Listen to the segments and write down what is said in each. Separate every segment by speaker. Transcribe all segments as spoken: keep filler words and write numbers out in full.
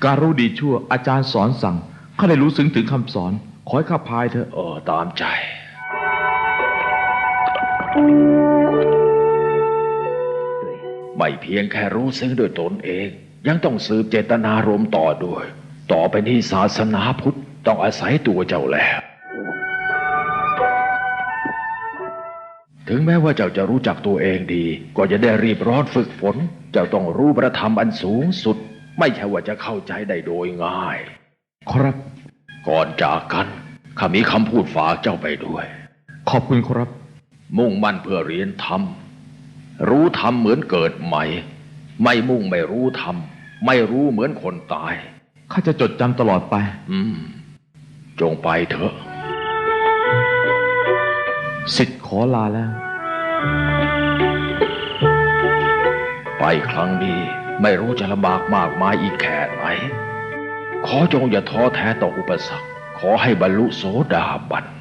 Speaker 1: การรู้ดีชั่วอาจารย์สอนสั่งข้าได้รู้ซึ้งถึงคำสอนขอให้ข้าพายเถอะ
Speaker 2: เออตามใจไม่เพียงแค่รู้ซึ้งด้วยตนเองยังต้องสืบเจตนารมณ์ต่อด้วยต่อไปนี้ศาสนาพุทธต้องอาศัยตัวเจ้าแล้วถึงแม้ว่าเจ้าจะรู้จักตัวเองดีก็จะได้รีบร้อนฝึกฝนเจ้าต้องรู้ประธรรมอันสูงสุดไม่ใช่ว่าจะเข้าใจได้โดยง่าย
Speaker 1: ครับ
Speaker 2: ก่อนจากกันข้ามีคำพูดฝากเจ้าไปด้วย
Speaker 1: ขอบคุณครับ
Speaker 2: มุ่งมั่นเพื่อเรียนธรรมรู้ธรรมเหมือนเกิดใหม่ไม่มุ่งไม่รู้ธรรมไม่รู้เหมือนคนตาย
Speaker 1: ข้าจะจดจำตลอดไป
Speaker 2: อืมจงไปเถอะ
Speaker 1: ศิษย์ขอลาแล้ว
Speaker 2: ไปครั้งนี้ไม่รู้จะลำบากมากมายอีกแค่ไหนขอจงอย่าท้อแท้ต่ออุปสรรคขอให้บรรลุโสดาบัน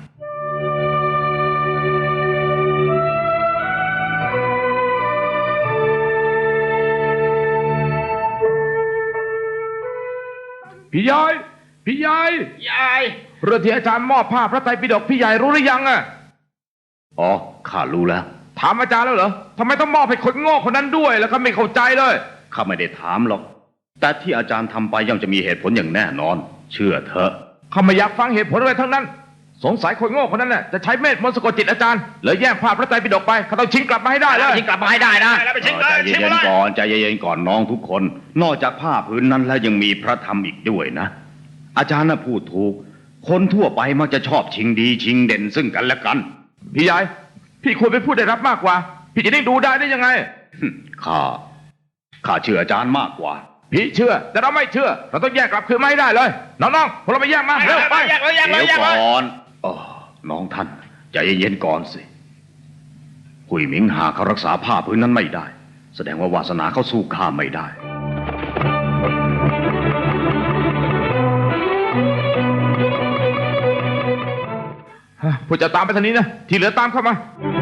Speaker 1: พี่ใหญ่พี่ใหญ่
Speaker 3: ใหญ่
Speaker 1: เรื่องที่อาจารย์มอบผ้าพระไตรปิฎกพี่ใหญ่รู้หรือยังอ่ะ
Speaker 2: อ๋อข้ารู้แล้ว
Speaker 1: ถามอาจารย์แล้วเหรอทำไมต้องมอบให้คนโง่คนนั้นด้วยแล้วก็ไม่เข้าใจเลย
Speaker 3: ข้าไม่ได้ถามหรอกแต่ที่อาจารย์ทำไปย่อมจะมีเหตุผลอย่างแน่นอนเชื่อเถอะ
Speaker 1: ข้าไม่อยากฟังเหตุผลอะไรทั้งนั้นสงสัยคนโง่คนนั้นน่ะจะใช้เมธมนต์สะกดจิตอาจารย์เลยแย่งผ้าพระไตรปิฎกไปเขาต้องชิงกลับมาให้ได้เลย
Speaker 3: ชิงกลับมาให้ได้นะใจเย็นๆก่อนใจเย็นๆก่อนน้องทุกคนนอกจากผ้าผืนนั้นแล้วยังมีพระธรรมอีกด้วยนะอาจารย์น่ะพูดถูกคนทั่วไปมักจะชอบชิงดีชิงเด่นซึ่งกันและกัน
Speaker 1: พี่ใหญ่พี่ควรเป็นผู้ได้รับมากกว่าพี่จะได้ดูได้ได้ยังไง
Speaker 3: ข้าข้าเชื่ออาจารย์มากกว่า
Speaker 1: พี่เชื่อแต่เราไม่เชื่อเราต้องแยกกลับคืนไม่ได้เลยน้องๆพวกเราไปแยกมาเร็วไป
Speaker 3: เดี๋ยวก่อนอ๋อน้องท่านใจเย็นๆก่อนสิหุยหมิงหาเขารักษาผ้าพื้นนั้นไม่ได้แสดงว่าวาสนาเขาสู้ข้าไม่ได้
Speaker 1: ผู้จะตามไปทางนี้นะที่เหลือตามเข้ามา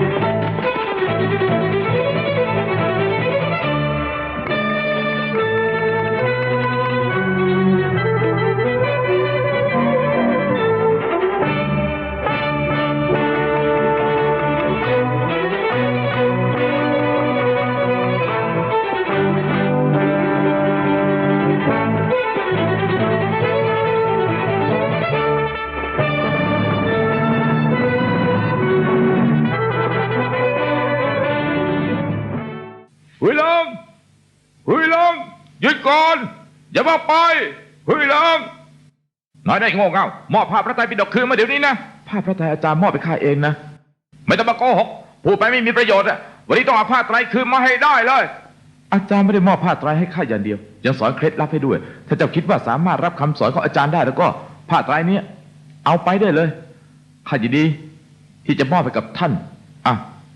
Speaker 1: หุยลงหุยลงหยุดก่อนอย่ามาไปหุยลงน้อยได้โง่เง่ามอบผ้าพระไตรปิฎกคืนมาเดี๋ยวนี้นะผ้าพระไตรอาจารย์มอบไปข้าเองนะไม่ต้องมาโกหกพูดไปไม่มีประโยชน์อะวันนี้ต้องเอาผ้าไตรคืนมาให้ได้เลยอาจารย์ไม่ได้มอบผ้าไตรให้ข้าอย่างเดียวยังสอนเคล็ดลับให้ด้วยถ้าเจ้าคิดว่าสามารถรับคำสอนของอาจารย์ได้แล้วก็ผ้าไตรนี้เอาไปได้เลยข้ายินดีที่จะมอบให้กับท่านอ่ะ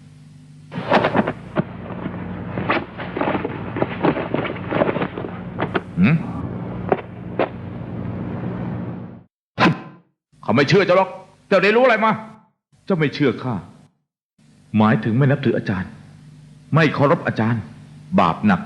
Speaker 1: เขาไม่เชื่อเจ้าหรอกเจ้าได้รู้อะไรมาเจ้าไม่เชื่อข้าหมายถึงไม่นับถืออาจารย์ไม่เคารพอาจารย์บาปหนัก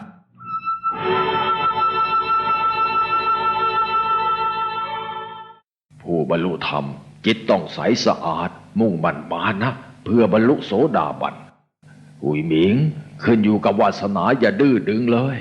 Speaker 2: ผู้บรรลุธรรมจิตต้องใสสะอาดมุ่งมั่นมานะเพื่อบรรลุโสดาบันหุยหมิงขึ้นอยู่กับวาสนาอย่าดื้อดึงเลย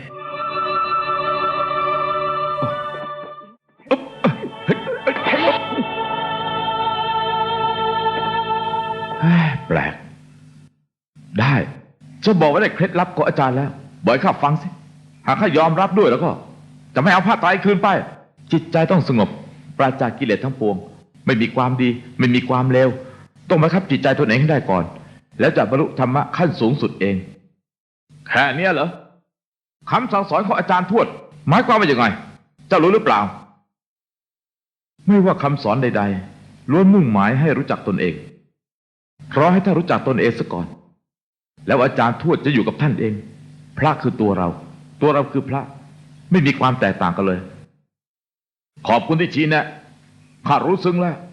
Speaker 1: แปลกได้จะบอกว่าได้เคล็ดลับของอาจารย์แล้วบอกให้ข้าฟังสิหากข้ายอมรับด้วยแล้วก็จะไม่เอาผ้าไตรคืนไปจิตใจต้องสงบปราศจากกิเลสทั้งปวงไม่มีความดีไม่มีความเลวต้องบังคับจิตใจตนเองให้ได้ก่อนแล้วจะบรรลุธรรมะขั้นสูงสุดเองแค่นี้เหรอคำสั่งสอนของอาจารย์ทวดหมายความว่าอย่างไงเจ้ารู้หรือเปล่าไม่ว่าคำสอนใดๆล้วนมุ่งหมายให้รู้จักตนเองเพราะให้ท่านรู้จักตนเองซะก่อนแล้วอาจารย์ทวดจะอยู่กับท่านเองพระคือตัวเราตัวเราคือพระไม่มีความแตกต่างกันเลยขอบคุณที่ชี้แนะข้ารู้ซึ้งแล้ว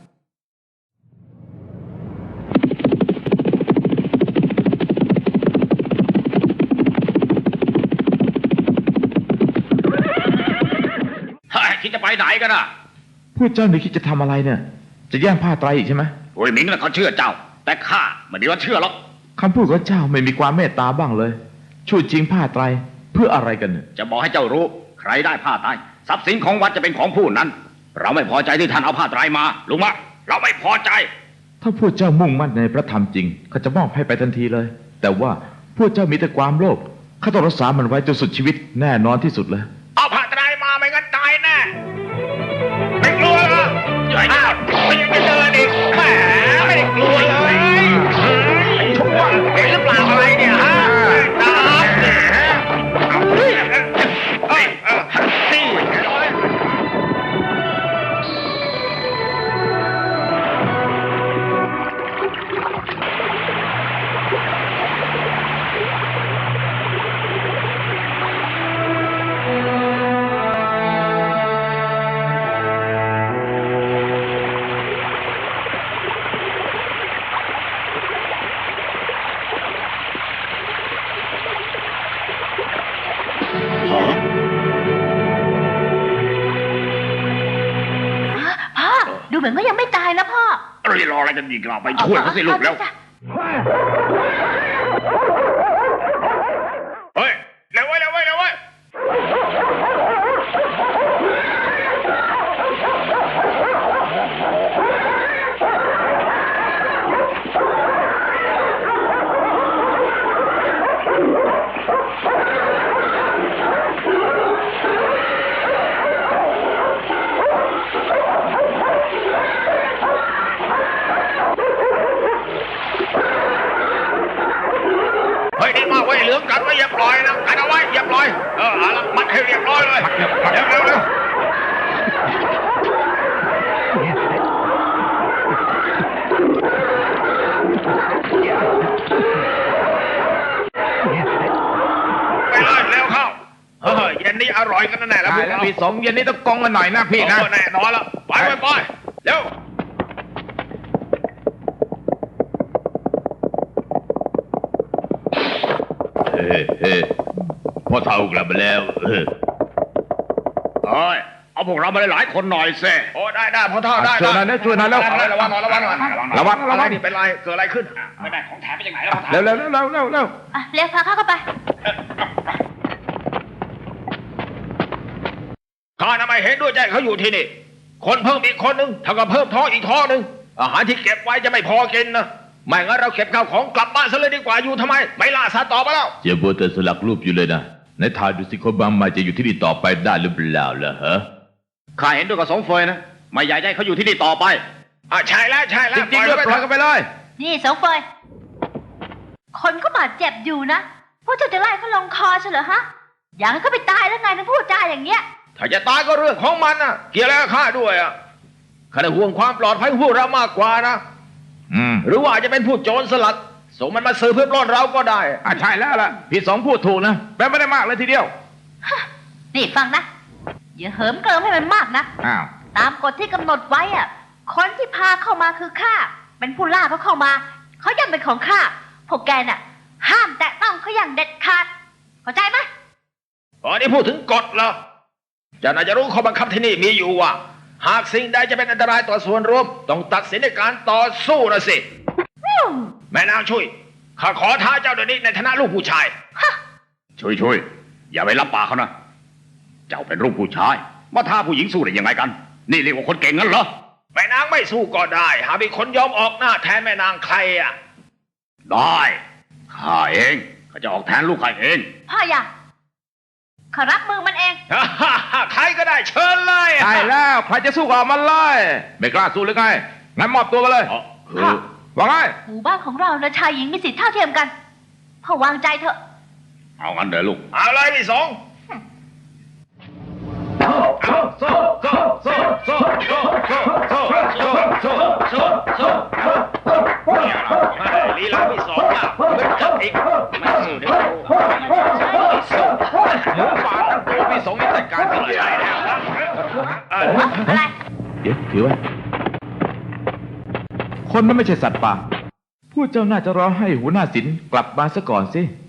Speaker 3: คิดจะไปไหนกันอ่ะ
Speaker 1: พวกเจ้าหนูคิดจะทำอะไรเนี่ย จะแย่งผ้าไตรอีกใช่ไหม
Speaker 3: โอ้ยหมิงน่ะเขาเชื่อเจ้า แต่ข้าไม่ได้ว่าเชื่อหรอก
Speaker 1: คำพูดของเจ้าไม่มีความเมตตาบ้างเลย ช่วยจริงผ้าไตรเพื่ออะไรกันเนี่ย
Speaker 3: จะบอกให้เจ้ารู้ ใครได้ผ้าไตรทรัพย์สินของวัดจะเป็นของผู้นั้น เราไม่พอใจที่ท่านเอาผ้าไตรมาลุงมะเราไม่พอใจ
Speaker 1: ถ้าพวกเจ้ามุ่งมั่นในพระธรรมจริงเขาจะมอบให้ไปทันทีเลย แต่ว่าพวกเจ้ามีแต่ความโลภข้าต้องรักษามันไว้จนสุดชีวิตแน่นอนที่สุดเลย
Speaker 3: เอาผ้าไตรมาไม่งั้นตายแน่ไม่กลัวเหรออ้าวไม่ยังจะเดินอีกแหมไม่ได้กลัวเลยชั่วเห็นหรือเปล่าอะไรเนี่ยฮะตามเนี่ยเอาเฮ้ยเอ้ยเออนี่
Speaker 4: พ่อดูเหมือนว่ายังไม่ตายนะพ่อ
Speaker 3: เอ้ยรออะไรกันอีกเราไปช่วยเขาสิลูกแล้ว
Speaker 4: จ้ะ
Speaker 3: เฮ้ยเร็วไว้เร็วไว้เร็วไว้เฮ้ยนี่มาไว้เหลืองกันไว้อย่าปล่อยนะกันเอาไว้อย่าปล่อยเออเอาละมัดให้เรียบร้อยเลยเร็วเร็วเร็วไปเลยเร็วเข้าเฮ้ยเย็นนี้อร่อยกันแน่แล้วพวกเรา
Speaker 1: พี่สมเย็นนี้ต้องกองกันหน่อยนะพี่นะ
Speaker 3: โอ้แน่นอนแล้วไปไปไปเร็ว
Speaker 2: เฮ้เฮ้พ่อเท่ากลับมาแล้วเออ
Speaker 3: เฮ้ยเอาพวกเรามาหลายๆคนหน่อยสิโอ้ได้ได้พอเท่าได้
Speaker 1: ช่วยหน่อยนะช่วยหน่อยแล้ว
Speaker 3: ระวังหน่อยระวังหน่อย
Speaker 1: ระวังระวัง
Speaker 3: นี่เป็นไรเกิดอะไรขึ้นไม่ได้ของแถมไปจากไหนแล้ว
Speaker 1: เร็วเร็วเร็วเร็วเร็วเร็ว
Speaker 4: อ่ะเรียกพาเข้าเข้าไป
Speaker 3: ข้าทำไมเห็นด้วยใจเขาอยู่ที่นี่คนเพิ่มอีกคนนึงเท่ากับเพิ่มท้องอีกท้องนึงอาหารที่เก็บไว้จะไม่พอกินนะไม่งั้นเราเก็บข้าวของกลับบ้านซะเลยดีกว่าอยู่ทำไมไม่ล่าสัตว์ต่อไปแล้ว
Speaker 2: เจ้าบัวแต่สลักรูปอยู่เลยนะในทายดูสิคนบางมาจะอยู่ที่นี่ต่อไปได้หรือเปล่าล่ะฮะ
Speaker 3: ข้าเห็นด้วยกับสองเฟยนะไม่อยากให้เขาอยู่ที่นี่ต่อไปอ่ะใช่แล้วใช่แล้ว
Speaker 1: จริงๆด้วยปล่อยกันไปเลย
Speaker 4: นี่สองเฟยคนก็บาดเจ็บอยู่นะพวกเจ้าจะไล่เขาลงคอใช่เหรอฮะอยากให้เขาไปตายแล้วไงถึงพูดจาอย่างเงี้ย
Speaker 3: ถ้าจะตายก็เรื่องของมันนะเกี่ยวอะไรกับข้าด้วยอ่ะข้าได้ห่วงความปลอดภัยของพวกเรามากกว่านะ
Speaker 1: อืม
Speaker 3: หรือว่าอาจจะเป็นผู้โจรสลัดส่งมันมาซื้อเพื่อปล้นเราก็ได้
Speaker 1: อ่ะใช่แล้วล่ะพี่สองพูดถูกนะแปลไม่ได้มากเลยทีเดียว
Speaker 4: นี่ฟังนะอย่าเหิมเกริมให้มันมากนะ
Speaker 1: อ้าว
Speaker 4: ตามกฎที่กำหนดไว้อะคนที่พาเข้ามาคือข้าเป็นผู้ล่าเขาเข้ามาเขายังเป็นของข้าพวกแกน่ะ ห้ามแตะต้องเขาอย่างเด็ดขาดเข้าใจไหม
Speaker 3: อ๋อนี่พูดถึงกฎเหรอเจ้าน่าจะรู้ข้อบังคับที่นี่มีอยู่ว่า หากสิ่งใดจะเป็นอันตรายต่อส่วนรวมต้องตัดสินในการต่อสู้นะสิ
Speaker 4: อืม
Speaker 3: แม่นางช่วยข้าขอท้าเจ้าเดี๋ยวนี้ในฐานะลูกผู้ชาย
Speaker 4: ฮะ
Speaker 3: ช่วยช่วยอย่าไปรับปากเขานะเจ้าเป็นลูกผู้ชายมาท้าผู้หญิงสู้ได้ยังไงกัน นี่เรียกว่าคนเก่งงั้นเหรอแม่นางไม่สู้ก็ได้หากมีคนยอมออกหน้าแทนแม่นางใครอ่ะได้ข้าเองข้าจะออกแทนลูกข้าเอง
Speaker 4: พ่ออย่าข้ารับมือมันเอง
Speaker 3: ใครก็ได้เชิญเลย
Speaker 1: ใช่แล้วใครจะสู้กับมันเลยไม่กล้าสู้หรือไงงั้นมอบตัวมาเลย
Speaker 3: อ๋อคือ
Speaker 4: ค่ะ
Speaker 1: ว่าไง
Speaker 4: หมู่บ้านของเรานะชายหญิงมีสิทธิเท่าเทียมกันพ่อวางใจเถอะ
Speaker 3: เอางั้นเดี๋ยวลูกเอาเลยพี่สองลีลาพี่สองอ่ะเป็นจับอีกไม่สู้เดี๋ยว
Speaker 1: หมูป่าทั้งตัวพี่สองนี่จัดการสิ่งใหญ่แล้ว
Speaker 4: อะไร
Speaker 1: เดี๋ยวถือไว้คนนั้นไม่ใช่สัตว์ป่าผู้เจ้าน่าจะรอให้หัวหน้าศิลป์กลับมาซะก่อนสิ